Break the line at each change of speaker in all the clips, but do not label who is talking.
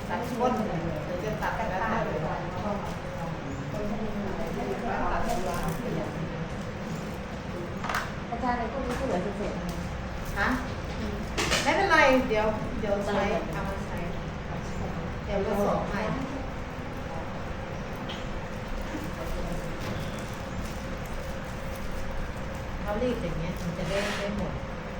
ตัดก้นหรือจะตัดแล้วแต่
อาจารย์ในพวกนี้ก็เหลือเศษ
ฮะไม่เป็นไรเดี๋ยวใช้เอามาใช้เดี๋ยวผสมให้เขารีดอย่างเงี้ยมันจะได้หมด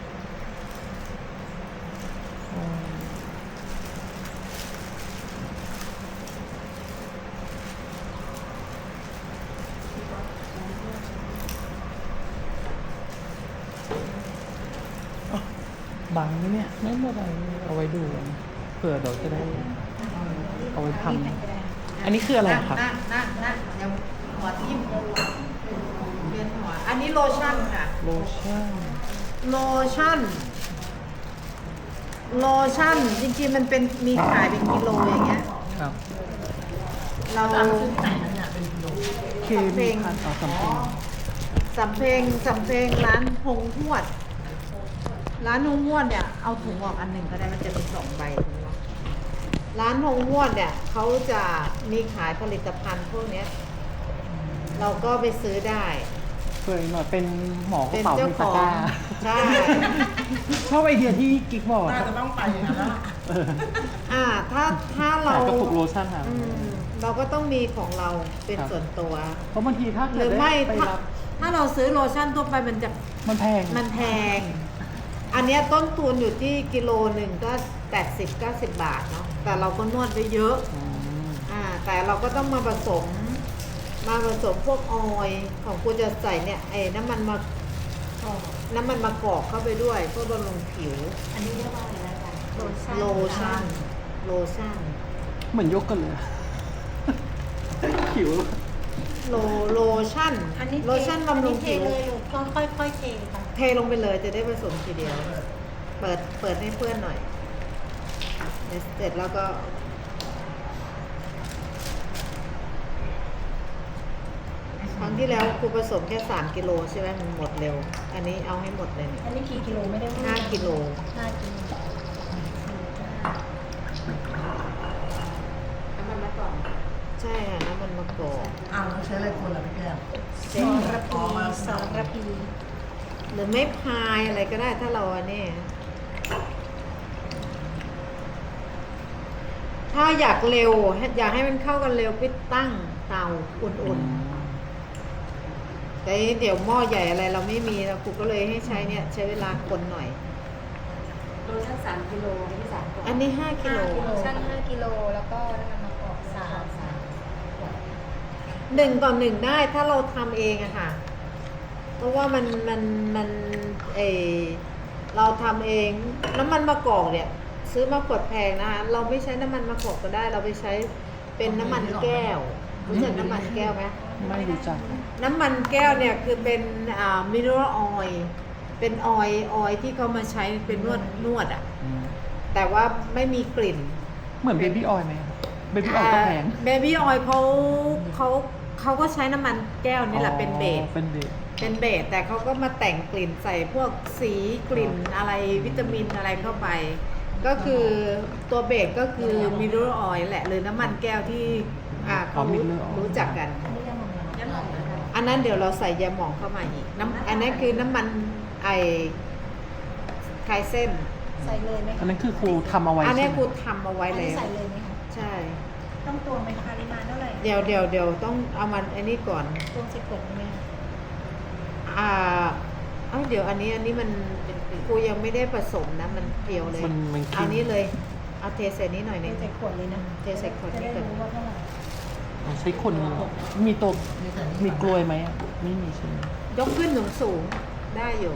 บังไหมเนี่ยไม่เป็นไรเอาไว้ดูเผื่อเราจะได้เอาไว้ทำอันนี้คืออะไรครับ
นั่งเดี๋ยวหัวทิ่มเวียนหัวอันนี้โลชั่นค่ะ
โลชั่น
จริงๆมันเป็นมีขายเป็นกิโลอย่างเงี้ย
ครับ
เรา
เคมีพันต่อ
สำเพลงร้านหงหวดเนี่ยเอาถุงออกอันหนึ่งก็ได้มันจะมี2 ใบถุงร้านหงหวดเนี่ยเขาจะมีขายผลิตภัณฑ์พวกนี้เราก็ไปซื้อได้
เผื่อหน่อยเป็นหมอกระเป๋ามีตะกร้า
ใช่
ชอบไอเดียที่กิ๊กบอก
น่าจะต้องไปอย่างนั้นแล้ว
ถ้าเรา
กระปุกโลชั่นค่ะ
เราก็ต้องมีของเราเป็นส่วนตัว
เพราะบางทีถ้า
หรือไม่ถ้าเราซื้อโลชั่นทั่วไปมันแพงอันนี้ต้นทุนอยู่ที่กิโลหนึ่งก็80-90 บาทเนาะแต่เราก็นวดไปเยอะแต่เราก็ต้องมาผสมพวกออยล์ของกูจะใส่เนี่ยไอ้น้ำมันมะกอกเข้าไปด้วยเพื่อบำรุงผิว
อันนี้เรียกว่าอะไรนะอาจารย์
โลชั่น
เหมือนยกกันเลยผิว
โลชั่นบำรุงผิว
เลยก็ค่อยๆเทค่ะ
เทลงไปเลยจะได้ผสมทีเดียวเปิดให้เพื่อนหน่อยเสร็จแล้วก็ครั้งที่แล้วครูผสมแค่3 กิโลใช่ไหมมันหมดเร็วอันนี้เอาให้หมดเลย
อันนี้กี่กิโลไม่ได้
5 กิโล
5 กิโลน้ำมันมะกอก
ใช่ค่ะน้ำมันมะกอก
เราใช้อะไรคนละพี่แก้ม
สารพี
หรือไม่พายอะไรก็ได้ถ้าเราเนี่ยถ้าอยากเร็วอยากให้มันเข้ากันเร็วไปตั้งเตาอุ่นๆแต่เดี๋ยวหม้อใหญ่อะไรเราไม่มีแล้วครูก็เลยให้ใช้เนี่ยใช้เวลาคนหน่อย
โลชั่น3 กิโล
อันนี้5 กิโล
โลชั่น5 กิโลแล้วก็น้ำมันมะกอก
1 ต่อ 1ได้ถ้าเราทำเองอะค่ะเพราะว่ามันเราทำเองน้ำมันมะกอกเนี่ยซื้อมาขวดแพงนะคะเราไม่ใช้น้ำมันมะกอกก็ได้เราไปใช้เป็นน้ำมันแก้วรู้จักน้ำมันแก้วไหม
ไม่รู้จัก
น้ำมันแก้วเนี่ยคือเป็นมิเนอรัลออยล์เป็นออยล์ที่เขามาใช้เป็นนวดอ่ะแต่ว่าไม่มีกลิ่น
เหมือนเบบี้ออยล์ไหมเบบี้ออยล์ก็แพง
เบบี้ออยล์เขาก็ใช้น้ำมันแก้วนี่แหละเป็นเบสแต่เขาก็มาแต่งกลิ่นใส่พวกสีกลิ่นอะไรวิตามินอะไรเข้าไปก็คือตัวเบสก็คือมิเนอรัลออยล์แหละหรือน้ำมันแก้วที่เขารู้จักกันอันนั้นเดี๋ยวเราใส่ยาหม่องเข้ามาอีกอันนั้นคือน้ำมันไคเส้น
ใส่เลยไหม
อันนั้นคือครูทำเอาไว้
อันนี้ครูทำเอาไว้เลย
ใส่เลยไหมคะ
ใช่
ต้องตวงไหมปริมาณเท่าไหร่
เดี๋ยวต้องเอามันอันนี้ก่อน
ตวง10 ขวดไหม
เดี๋ยวอันนี้มันครูยังไม่ได้ผสมนะมันเพียวเลยเอานี้เลยเอาเทใส่นี้หน่อยนึง
ใส่ขวดเลยนะ
เทใส่ขวดนี้ก่อน
ใช้คนมีตัวมีกลวยไหมไม่มีใช่ไหม
ยกขึ้นสูงได้อยู่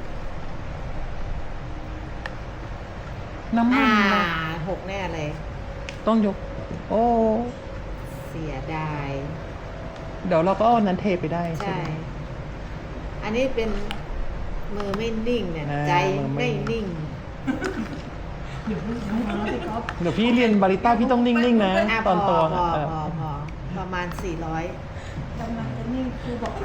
น้ำมัน
6แน่เลย
ต้องยกโอ้
เสียดาย
เดี๋ยวเราก็เอานั้นเทไปได้ใช่
อันนี้เป็นมือไม่นิ่งเนี่ยใจไม่นิ่ง
เดี๋ยวพี่เรียนบาริต้าพี่ต้องนิ่งๆนะตอนตัว
พอประมาณ400
กำลังจะนิ่งคือบอก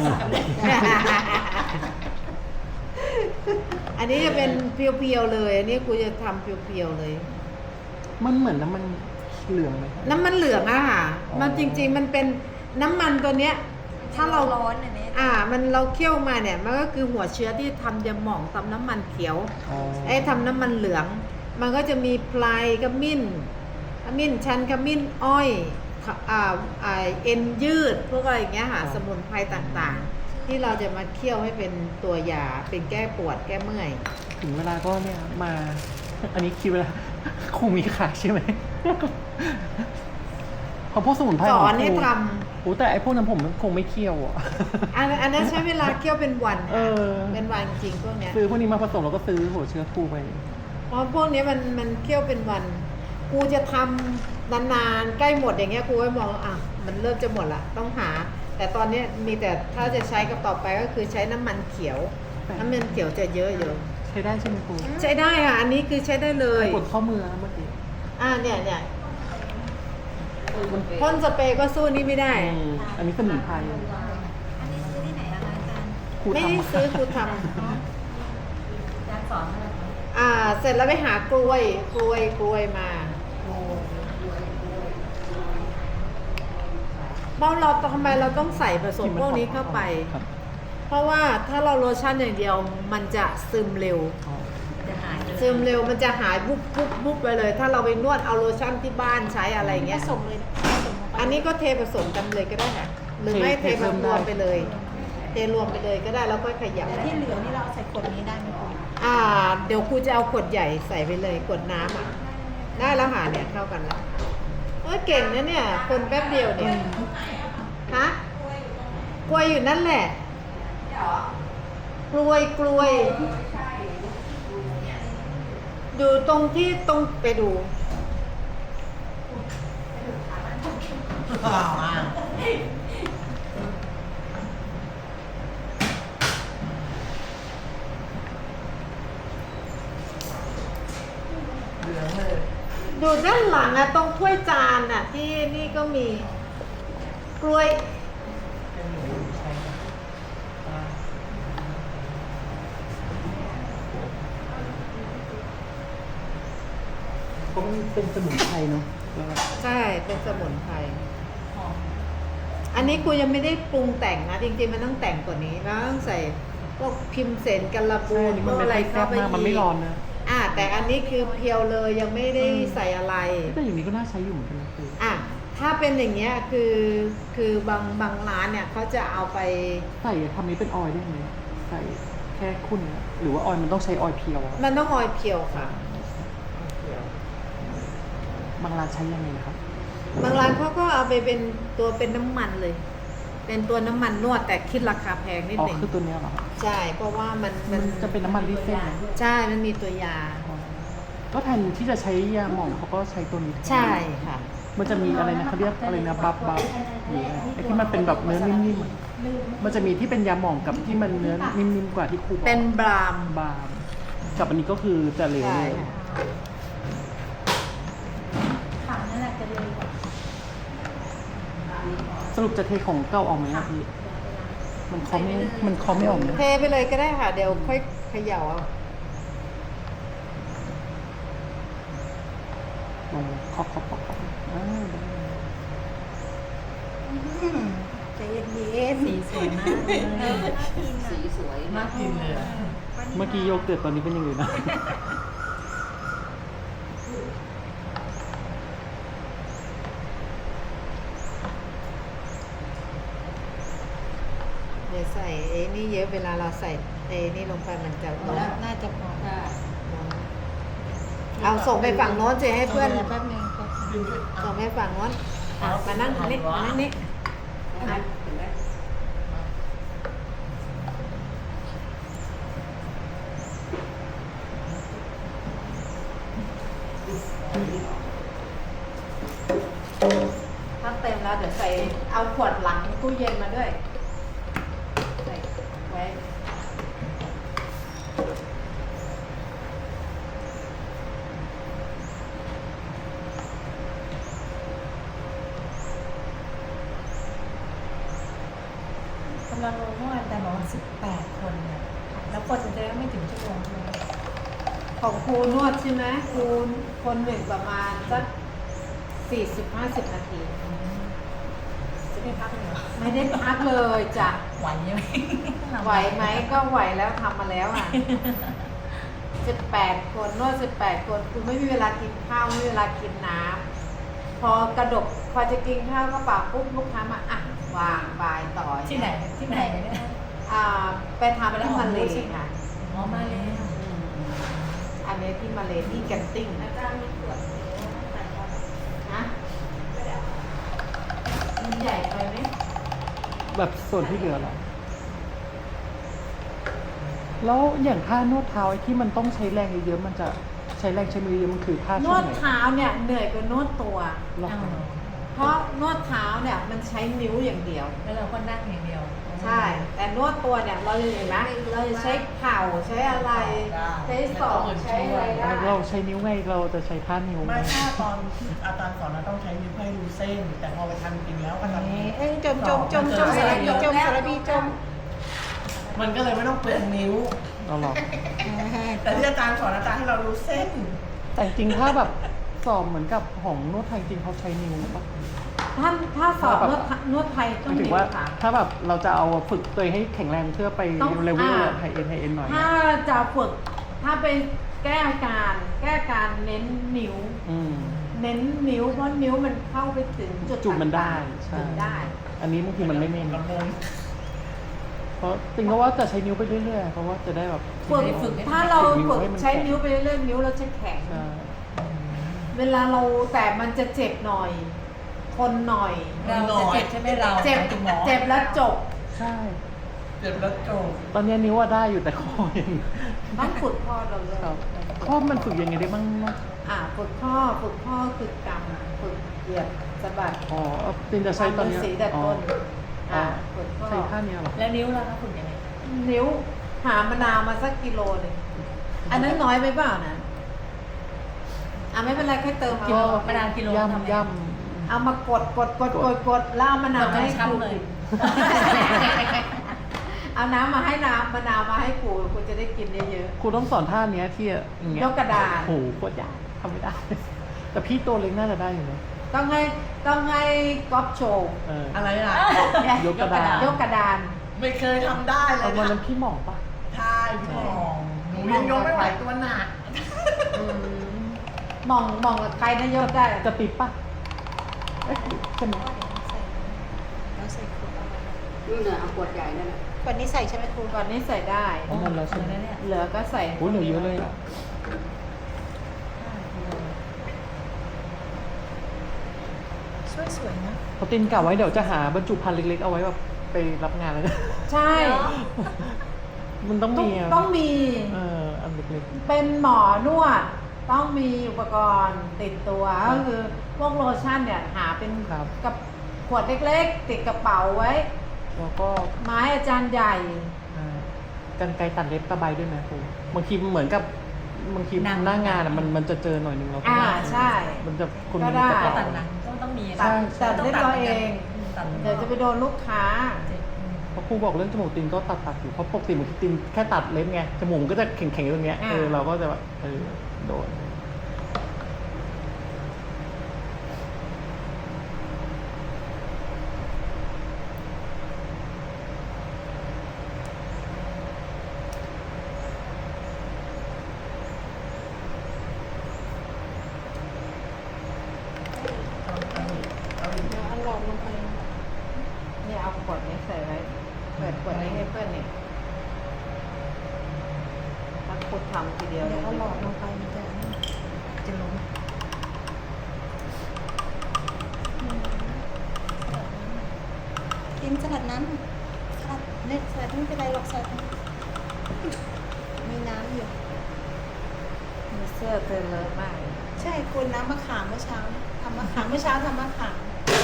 อันนี้จะเป็นเพียวๆเลยอันนี้กูจะทำเพียวๆเลย
มันเหมือนน้ำมันเหลืองไหม
น้ำมันเหลืองอะค่ะ
อ๋อ
มันจริงๆมันเป็นน้ำมันตัวเนี้ย ถ้าเรา
ร้อนอันนี้
มันเราเคี่ยวมาเนี่ยมันก็คือหัวเชื้อที่ทำยาหม่องทำน้ำมันเขียว
อ๋อ
ทำน้ำมันเหลือง มันก็จะมีไพรขมิ้นชันขมิ้นอ้อยเอ็นยืดพวกอะไรอย่างเงี้ยค่ะสมุนไพรต่างๆ ที่เราจะมาเคี่ยวให้เป็นตัวยาเป็นแก้ปวดแก้เมื่อย
ถึงเวลาก็เนี่ยมา อันนี้คิดเวลา คงมีขายใช่ไหม เพราะพวกสมุนไพร
ส
ขง
อนให้
ครู
ท
โอ้แต่ไอ้พวกนั้นผมคงไม่เคี่ยวอ่ะ
ำอันนั้นใช้เวลาเคี่ยวเป็นวัน
เอ
ค่ะ
อ
เป็นวันจริงพวกเนี้ย
ซื้อพวกนี้มาผสมแล้วก็ซื้อหัวเชื้อครูไป
เพราะพวกนี้มันเคี่ยวเป็นวัน กูจะทำนานๆใกล้หมดอย่างเงี้ยกูก็มองมันเริ่มจะหมดละต้องหา แต่ตอนเนี้ยมีแต่ถ้าจะใช้กับต่อไปก็คือใช้น้ำมันเขียว น้ำมันเขียวจะเยอะอยู่
ใช้ได้ใช่ไหมครู
ใช้ได้ค่ะ อันนี้คือใช้ได้เลย
กดข้อมือนะเมื่อกี้
เนี่ยพ่นสเปรย์ก็สู้นี่ไม่ได้
อันนี้สมุนไพร
อันนี้ซื้อที่ไหนอะคะอาจารย์
ครู
ไม่
ทำ
ได้ซื้อครูท
อาจารย์สอนอะไรคะ
ำเสร็จแล้วไปหากล้วยมาเพราะเราทำไมเราต้องใส่ผสมพวกนี้เข้าไป
ครับ
เพราะว่าถ้าเราโลชั่นอย่างเดียวมันจะซึมเร็ว
อ๋อ
จะหาย
ซึมเร็วมันจะหายบุบไปเลย ถ้าเราไปนวดเอาโลชั่นที่บ้านใช้อะไร
ผ
เงี้ย
สมเลยผสมลงไป
อันนี้ก็เทผสมกันเลยก็ได้ค่ะ หรือไม่เทมารวมไปเลย เทรวมไปเลยก็ได้แล้วก็ขยับ
แต่ที่เหลือนี่เราเอาใส่ขวดนี้ได้ไหมคะ
เดี๋ยวครูจะเอาขวดใหญ่ใส่ไปเลยขวดน้ำได้แล้วหาเนี่ยเข้ากันแล้วเก่งนะเนี่ย คนแป๊บเดียวเนี่ยฮะกล้วยอยู่นั่นแหละกล้วยอยู่ตรงที่ตรงไปดู
เหลืองเลย
อยู่ด้านหลังตรงถ้วยจานที่นี่ก็มีกล้วย
ก็เป็นสมุนไพรเนาะ
ใช่เป็นสมุนไพรอันนี้กูยังไม่ได้ปรุงแต่งนะ จริงๆมันต้องแต่งกว่านี้แล้วต้องใส่พวกพิมเสนกันละบู
ใช่
น
นี่
พ
มั
วน ก
ไม่
อะไร
ค่อยแซ่
เข้า
บ
ไป
มากมันไม่ร้อนนะ
แต่อันนี้คือเพียวเลยยังไม่ได้ใส่อะไร
แต่อย่างนี้ก็น่าใช้อยู่เหมือนกันนะครู
ถ้าเป็นอย่างเงี้ยคือบางร้านเนี่ยเขาจะเอาไป
ใส่ทำนี้เป็นออยล์ได้ไหมใส่แค่ขุ่นอะหรือว่าออยล์มันต้องใช้ออยล์เพียวอะ
มันต้องออยเพียวค่ะ
บางร้านใช้ยังไงนะครับ
บางร้านเขาก็เอาไปเป็นตัวเป็นน้ำมันเลย เป็นตัวน้ำมันนวดแต่คิดราคาแพงนิด
อ๋อ
หนึ่ง
คือตัวเนี้ยเหรอครับ
ใช่เพราะว่ามัน
จะเป็นน้ำมันรีดเส้นนะ
ใช่ มันมีตัวยา
อ๋อก็แทนที่จะใช้ยาหมองเขาก็ใช้ตัวนี้แทน
ใช่ค่ะ
มันจะมีอะไรนะเขาเรียกอะไรนะบับหรืออะไรไอ้ที่มันเป็นแบบเนื้อนิ่มๆอะมันจะมีที่เป็นยาหมองกับที่มันเนื้อนิ่มๆกว่าที่ครูบอก
เป็นบราม
บางกับอันนี้ก็คือจะเหลว
ใช่
เลย
ค่ะ
ถังนั่นแหละจะเลยกว่า
สรุปจะเทของเก่าออกไหมอะพี่มันเคาะไม่ออกนะ
เทไปเลยก็ได้ค่ะ เดี๋ยวค่อยเขย่าเอา
ลองเคาะได้
ใจเย็นๆสีสวยมากเลยน่ากินสีสวย
น่ากินเลยอะ
เมื่อกี้โยเกิร์ตตอนนี้เป็นยังไงนะ
เดี๋ยวใส่ไอ้นี่เยอะเวลาเราใส่ไอ้นี่ลงไปมันจะร้อน
น่าจะพอได้
เอาส่งไปฝั่งโน้นจะให้เพื่อน
แป๊บนึงครับ
ส่งไปฝั่งโน้นมานั่งนี่มานั่งนี่ถ้าเต็มแล้วเดี๋ยวใส่เอาขวดหลังตู้เย็นมาด้วยใส่ไว้
กำลังลงเมื่อวานแต่บอกว่า18 คนเนี่ยแล้วคนจะได้ไม่ถึงชั่วโมงเลย
ของครูนวดใช่ไหมครูคนหนึ่งประมาณสัก 40-50 นาที
จะได้พักเลยเหรอ
ไม่ได้พักเลยจ้ะ
ไหวใช่ไหม
ไหวไหมก็ไหวแล้วทำมาแล้วอ่ะ 18 คนนวด18 คนคือไม่มีเวลากินข้าวไม่มีเวลากินน้ำพอกระดกพอจะกินข้าวก็ปากปุ๊บลูกค้ามาอ่ะวางบายต่อ
ที่ไหนที่ไหนเนี่ย
ไปทำที่มาเลค่ะ
อ๋อมาเลย
อันนี้ที่มาเลที่แกนติ้ง
อาจารย์มีขวดใส่ก่อน
นะมันใหญ่ไปไหม
แบบส่วนที่เหลือเหรอแล้วอย่างท่านวดเท้าไอ้ที่มันต้องใช้แรงเยอะๆมันจะใช้แรงใช้มือเยอะมันคือท่าน ช่ว
ว
ง
ด
ไหน
เท้าเนี่ยเหนื่อยกว่านวดตัว
หรอ
เพราะนวดเท้าเนี่ยมันใช้นิ้วอย่างเดียว
แล้วเราก็นั่งอย่างเดียว
ใช่ แต่นวดตัวเนี่ยเราจะเห็นไหมเราจะใช้เข่าใช้อะไร ใช้ศอกใช้อะไรได้
เราใช้นิ้วไงเราจะใช้ท่านิ้ว
ไม่ถ้าตอนที่อาจารย์สอนเราต้องใช้นิ้วให้ดูเส้น แต่พอไปทำจริงแล้วก็ทำนี้
จมสารพีจม
มันก็เลยไม่ต้องเปลืองนิ้ว
เราหรอ
แต่ที่อาจารย์สอนอาจารย์ให้เรารู้เส้น
แต่จริงๆถ้าแบบสอบเหมือนกับของนวดไทยจริงเขาใช้นิ้วปะ
ถ้าสอบนวดไทย
ห
ต้อ
มางยถึง
นิ้ว
ว่า
ค่ะ
ถ้าแบบเราจะเอาฝึกตัวเองให้แข็งแรงเพื่อไป
ต้อง
เลเวล
อ่า
ไฮเอ็นหน่อย
ถ้าจะฝึกถ้าไปแก้การเน้นนิ้ว
อืม
เน้นนิ้วเพราะนิ้วมันเข้าไปถึงจุด
จุดมันได้
ต่างๆ
ใช่
จุดได้
อันนี้บางทีมันไม่เน้น
ลำบง
เพราะจริงก็ว่าจะใช้นิ้วไปเรื่อยๆเพราะว่าจะได้แบบ
ฝึกถ้าเราฝึก
ให้มัน
ใช้นิ้วไปเรื่อยๆนิ้วเราจะแข็ง
ใช่
เวลาเราแต่มันจะเจ็บหน่อยทนหน่อย
เราจะเจ็บใช่ไหมเรา
เจ็บ
ถึงหมอ
เจ็บแล้วจบ
ใช่
เจ็บแล้วโจม
ตอนนี้นิ้วว่าได้อยู่แต่คอยัง
ต้องฝึกข้อเราเลย
ครับข้อมันฝึกยังไงได้บ้างเนาะ
ฝึกข้อคือกำฝึกเหยียบสะบัด
อ๋อตินจะใช้ตอน
ทำ
เนี้ย
สีแต่
อ๋อ
ต้น
อ๋อ
ฝึกข้อ
ใช้ท่าเนี้ยเหรอ
แล้วนิ้วเราคะคุณยังไง
นิ้วหามะนาวมาสักกิโลหนึ่งอันนั้นน้อยไปเปล่านะไม่เป็นไรแค่เติม
กิโล
เอา
มะนาวกิโลทำไง
ย่ำ
เอามากดแล้วเอามะนาวมาให้
ช้ำ
กู
เลย
เอาน้ำมาให้มะนาวมาให้กูจะได้กินเยอะ
ครูต้องสอนท่าเนี้ยที่อย่างเงี้ย
ยกกระดาน
โอ้โหโคตรยากทำไม่ได้ แต่พี่ตัวเล็กน่าจะได้อยู่นะ
ๆต้องให้ก๊อฟโชว์
เออ
อะไรล่ะ
ยกกระดาน
ยกกระดาน
ไม่เคยทำได้เล
เอา
ย
วัน
ค่ะ
นั้นพี่หม่องปะ
ใช่พี่มองหนูยังยกไม่ไหวตัวหนัก
มองกับใครนะยกได้
กระติบปะเอ๊ะใช่ไหม
นู่นน่ะเอาขวดใหญ่นั่นน่ะ
ก่อนนี้ใส่ใช่ไหมครูก่อนนี้ใส่ได้
อ๋อนั่นแล้วใช่ไหม
เนี่ย
เหลือก็ใส่
โอ้ยเหลือเยอะเลยอ่ะ
สวยๆนะ
พอตินกะไว้เดี๋ยวจะหาบรรจุภัณฑ์เล็กๆเอาไว้แบบไปรับงานแล้วนะ
ใช่
มันต้องมีะ
ต้องมี
อันเล็ก
เป็นหมอนวดต้องมีอุปกรณ์ติดตัวก็คือพวกโลชั่นเนี่ยหาเป็น
ครับ
กับขวดเล็กๆ ติดกระเป๋าไว้
ๆแล้วก็
ไม้อาจารย์ใหญ่
กันไกรตัดเล็บตะไบด้วยนะครูบางทีมันเหมือนกับบางทีหน้างานอะมันจะเจอหน่อยนึงแล้วก็
ใช่
มันจะคน
ก็
มี
ได้
กระ
เรา
เป๋า
ตัดหนังต้องมี
ตัด
ใช่
ตัดเรียบร้อยเอง
ตัด
เดี๋ยวจะไปโดนลูกค้า
เพราะครูบอกเรื่องจมูกตินก็ตัดอยู่เพราะปกติบางทีตินแค่ตัดเล็บไงจมูกมันก็จะแข็งๆตรงเนี้ยเราก็จะแบบโดน
เอาหลอดลงไปเนี่ยเอาขวดนี้ใส่ไว้เปิดขวดนี้ให้เพื่อนเนี่ยถ้าคุดทำทีเดียวเอาหลอดลงไปมันจะล้ม
กินสลัดน้ำสลัดเนี่ยสลัดไม่เป็นไรหรอกสลัดมีน้ำอยู่
มีเสื้อเธอเลอะมาก
ใช่คุณน้ำมะขามเมื่อเช้าทำมะขามเมื่อเช้าทำมะขาม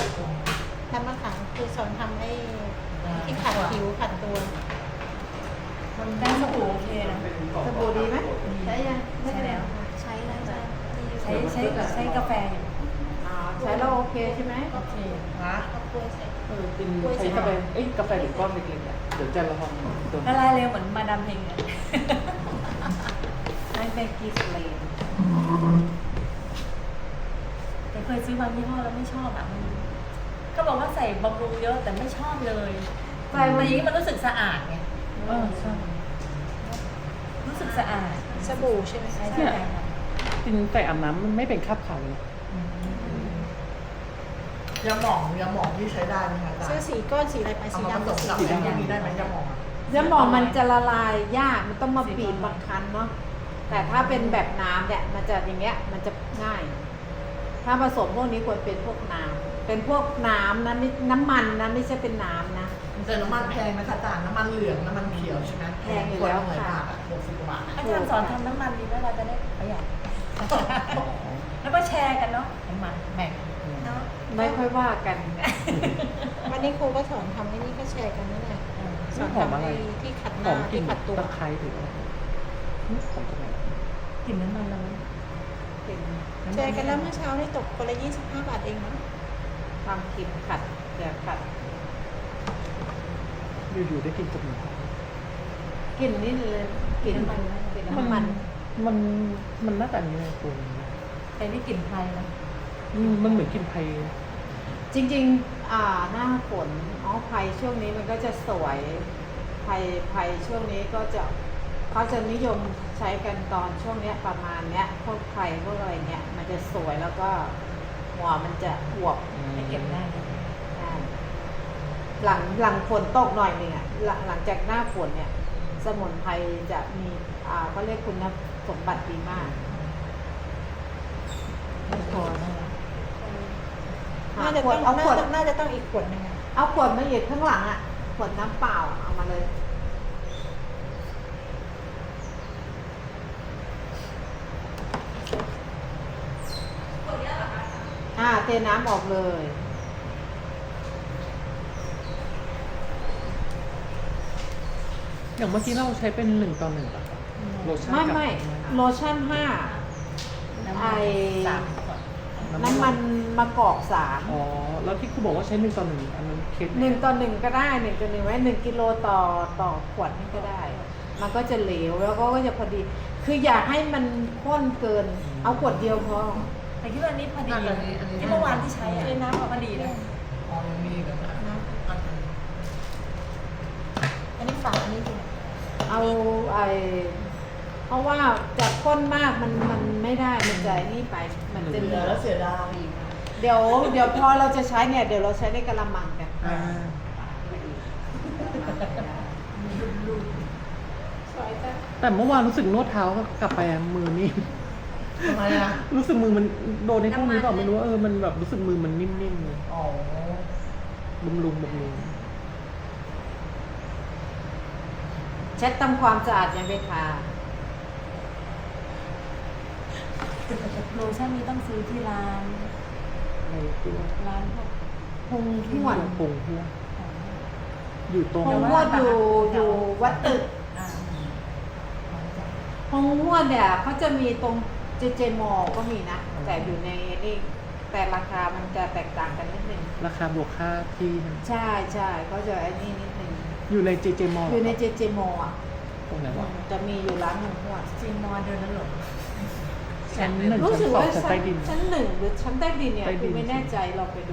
คือสอนทำไอ้ที่ขัดผิวขัดตัว
มันได้สบู่โอเคนะ
สบู่ดีไหมใช้ยัง
ใช่แล้ว
ใช้แล้วจะดีอยู่
ใช้กาแฟอยู่
ใช้แล้วโอเคใช่ไหม
โอเค
ฮะ
เอากล้วยใส่
ตินใช้กาแฟกาแฟถึงก้อนเล็กๆอ่ะเดี๋ยวจะระวังโดน
ละลายเร็วเหมือนมาดามเพลงเนี่ย
ให้เป็นกีสเลน
แต่เคยซื้อบางยี่ห้อแล้วไม่ชอบอ่ะมันก็บอกว่าใส่บำรุงเยอะแต่ไม่ชอบเลย
ใส่
แต่
มัน
อย่างนี้มันรู้สึกสะอาดไง
ใช่
รู้สึกสะอาด
สบู่ใช่ไหม
ใช่
เนี่
ใช่
ย
ค่ะ
จริงแต่อาบน้ำมันไม่เป็นคราบขาวเลย
ยาหมองที่ใช้ได้ไหมคะอาจาร
ซื้อ
ย์
สีก้อนสีอะไรไป
เอา
สี
มาผ
ดำ
สมกับ
สี
สี
ดำ
ดำนี้ได้ไหมยาหมองอะ
ยาหมองมันจะละลายยากมันต้องมาบีบบางคั้นเนาะแต่ถ้าเป็นแบบน้ำเนี่ยมันจะอย่างเงี้ยมันจะง่าย ถ้าผสมพวกนี้ควรเป็นพวกน้ำเป็นพวกน้ำนะไม่น้ำมันนะไม่ใช่เป็นน้ำนะ
แต่น้ำมันแพงนะคะอาจารย์น้ำมันเหลืองน้ำมันเขียวใช่ไหม
แพงอยู่แล้วค่ะ
60 กว่าบาท
อาจารย์สอนทำน้ำมันดีไหมเราจะได้ประหยัด แล้วก็แชร์กันเนาะน้ำมันแบ่ง
เนาะ
ไม่ค่อยว่ากัน
วันนี้ครูก็สอนทำไอ้นี่ก็แชร์กันนั่นแหละสอน
หอม
ทำ
อะไร
ไอ้ที่ขัดห
หอ
น้าม
กลิ่
ที่
น
ขัดตัว
ตะไคร้หรืออะไรหอมตรงไหน
กลิ่นน้ำมันเราไหม
เป็น
แชร์กันแล้วเมื่อเช้านี่ตกคนละ25 บาทเองเนาะ
ความคิดขัดอย่าขัด
อยู่ๆได้กลินจมูก
กลิ่นนี่เลยกลิ่นกลิ่นน้ำมัน
มันน่าจะอันนี้เลยคุณ
แต่นี่กลิ่นไทยนะ
มันเหมือนกลินไทย
จริงๆหน้าฝนไผ่ช่วงนี้มันก็จะสวยไผ่ช่วงนี้ก็จะเขาจะนิยมใช้กันตอนช่วงเนี้ยประมาณเนี้ยพวกไผ่พวกอะไรเนี้ยมันจะสวยแล้วก็หัวมันจะอวบ
ไม่เก็บได้
อ่าหลังฝนตกหน่อยหนึ่งอ่ะหลังจากหน้าฝนเนี่ย สมุนไพรจะมีเขาเรียกคุณสมบัติดีมาก
ไม่พอนะคะ
น่าจะ
ขว
ต้
ด
อง
เอาขวด
น่าจะต้องอีกขวดหนึงอะ
เอาขวดมาหยิบข้างหลังอ่ะขวดน้ำเปล่าเอามาเลยเทน้ำออกเลย
อย่างเมื่อกี้เราใช้เป็น1:1ป่ะครับโลชั่น
ไม่
กับ
ไม่โลชั่น
น้ำ
ไอ้
มันสามขวด
น้ำมันมะกอก3
อ๋อ แล้วที่ครูบอกว่าใช้1:1อันนั้นเคสไหน
1:1ก็ได้1:1ไว้1 กิโลต่อขวดนี่ก็ได้ มันก็จะเหลวแล้วก็จะพอดี คืออยากให้มันข้นเกิน เอาขวดเดียวพอ
แต่คิดว่าอันนี้พอดีที่เมื่อวานที่ใช้อะน้ำพอดีนะ
อ๋อยังมีอีกันนะ
อันนี้ฝาอันนี้ดี
เอาเพราะว่าจะข้นมากมันไม่ได้มันจะนี่ไปมันจะ
เห
เห
ลื
ลื
อ
อ
แล้วเสียดาย
เดี๋ยวพอเราจะใช้เนี่ยเดี๋ยวเราใช้ในกะละมังกัน
อ่า
สวยจ้ะ
แต่เมื่อวานรู้สึกนวดเท้าก็กลับไปมือนิ่ม
ทำไมอะ
รู้สึกมือมันโดนในพวกนี้เปล่าไม่รู้ว่ามันแบบรู้สึกมือมันนิ่มๆเลย
อ๋อบ
ำรุง
เช็ดทำความสะอาดยังไม่ทา
โลชั่นนี้ต้องซื้อที่ร้าน
ในตัว
ร้านพวก
พงห้วน
ปงหัวอยู่ตรง
พงห้วนอยู่วัดตึก
อ่า
พงห้วนเนี่ยเขาจะมีตรงเจมอก็มีนะ แต่อยู่ในนี่แต่ราคามันจะแตกต่างกันนิดนึง
ราคาบวกค่าที่มัน
ใช่เขาจะไอ้นี่นิดนึง
อยู่ใน JJ Mall
อยู่ในเจมออ่ะ
ตรงไหนวะ
จะมีอยู่ร้านพงห้วน
จริงนอนเดินแล้วหลง
ชั้นหนึ่ง
รู้
ชั้น
สึก
สอง
ว่า
ชั้นใต้ดิน
ชั้น1หรือชั้นใต้ดินเนี่ย
ใต้ดิน
คือไม่แน่ใจเราไปดู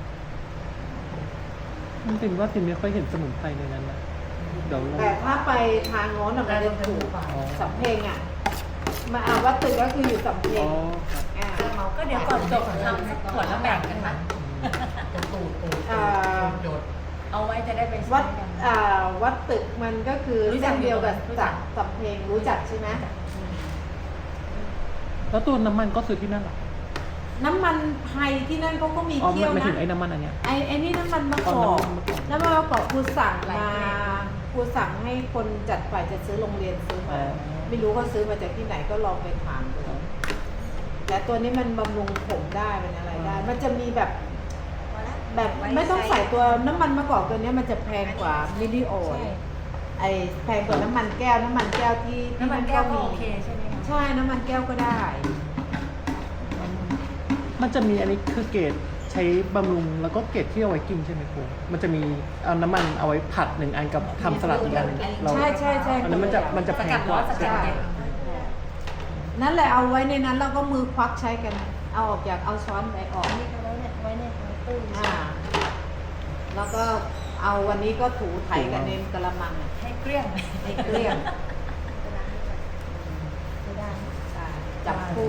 มันเป็นว่าตินไม่ค่อยเห็นสมุนไพรในนั้นนะเดี๋ยวเรา
แต่ถ้าไปทางโน้นน่ะมันจะถูกสำเพ็งอ่ะมาวัดตึกก็คืออยู่สำเพ็
อ๋
ง
อครับ
ก็เดี๋ยวก่อนจบทำสักขวดแล้วแบ่งกันนะ
ตูดหยด
เอาไว้จะได้ไป
วั
ใช้
ด
กัน
วัดตึกมันก็คือ
รู้จั
เส้
ก
นเดียวกับ
รู้จั
จาก กสำเพ็งรู้จักใช่ไหม
แล้วตัวน้ำมันก็ซื้อที่นั่นเหรอ
น้ำมันไทยที่นั่นเขาก็มี
อ๋อ
เคี่ยว
ไม่
นะ
ถึงไอ้น้ำมันอันเนี้ย
ไอ้นี่น้ำมันมะก
อ๋
อ
อก น้ำมันมะกอก
น้ำมันมะกอกครูสั่งมาครูสั่งให้คนจัดฝ่ายจะซื้อโรงเรียนซื้อมา ไม่รู้เขาซื้อมาจากที่ไหนก็ลองไปถามดูแต่ตัวนี้มันบำรุงผมได้มันอะไรได้ มันจะมีแบบไม่ต้องใส่ตัวน้ำมันมะกอกตัวนี้มันจะแพงกว่ามิลลิโอ
ใช่
ไอแพงกว่าน้ำมันแก้วที่
น้ำมันแก้วก็
มี
โอเคใช่ไหมคะ
ใช่น้ำมันแก้วก็ได้
มันจะมีอันนี้คือเกรดใช้บำรุงแล้วก็เกรดที่เอาไว้กินใช่ไหมครูมันจะมีเอาน้ำมันเอาไว้ผัด1 อันกับทำสลัดอีกอันหนึ่งเรา
ใช่
อันนั้นมันจะแพงกว่า
สกัด
นั่นแหละเอาไว้ในนั้นแล้วก็มือควักใช้กันเอาออกจากเอาช้อนไปออก
อันนี้ก็ไว้เนี่ยไว้ในตู้
แล้วก็เอาวันนี้ก็ถูไถกันในกระมัง
ให้เกลี้ยง
ให้เกลี้ยง
ไม่ได้
จับคู่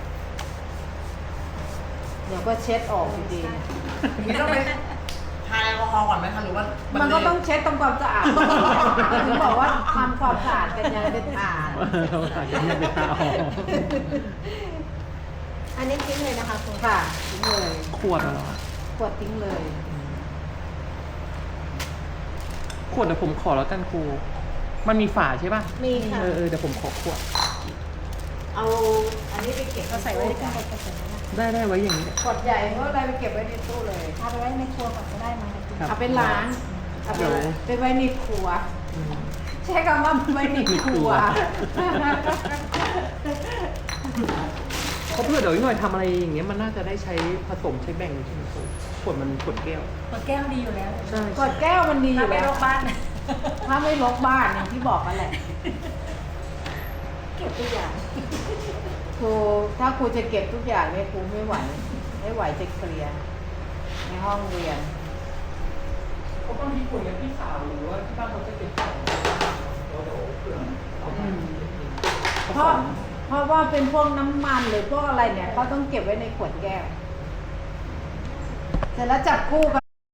เดี๋ยวก็เช็ดออกอยู่ดีเนี่ย
อย่างนี้ต้องไปทาแอลกอฮอล์ก่อนไหมคะหรือว่า
มั
มัน
ก็ต้องเช็ดทำความสะอาดถึงบอกว่าทำความสะอาดกันยังเป็นฐาน
เราอาจจะไม่ไปหาออก
อันนี้ทิ้งเลยนะคะคุณ
ค่ะทิ้งเลย
ขวดเหรอ
ขวดทิ้งเลย
ขวดเดี๋ยวผมขอแล้วกันครู มันมีฝาใช่ป่ะ
มีค่ะ
เดี๋ยวผมขอขวด
เอาอันนี้ไปเก็บ
ก็ใส่ไว้ในตู้กระสุนนะ
ได้ไว้อย่างนี้
ขวดใหญ่เพราะอะไรไปเก็บไว้ในตู้เลย
เอาไปไว้ในครัวก่อนก็ได้มา
ครับ
เอาไปล้างเอาไป
เดี๋ยว
ไปไว้ในครัว
อืม
ใช้คำว่าไว้ในครัว
เพราะเพื่อเดี๋ยวอีกหน่อยทำอะไรอย่างเงี้ยมันน่าจะได้ใช้ผสมใช้แบ่งใช่ไหมครูขวดมันขวดแก้ว
ขวดแก้วดีอยู่แล้ว
ใช่
ขวดแก้วมันดีอ
ถ้า
ยู่
ไป
แล้ว
โรงพยาบาล
ถ้าไม่ลกบ้านอย่างที่บอกกันแหละ
เก็บตัวอย่าง
ครูถ้าครูจะเก็บทุกอย่างเนี่ยครูไม่ไหวจะเคลียร์ในห้องเรียน
ก็บางทีคุยกับพี่สาวหรือว่าที่บ้านเขาจะเก็บของเดี๋ยวเผื่อเอาไป
เพราะว่าเป็นพวกน้ำมันหรือพวกอะไรเนี่ยเขาต้องเก็บไว้ในขวดแก้ว เสร็จแล้วจับคู่กัน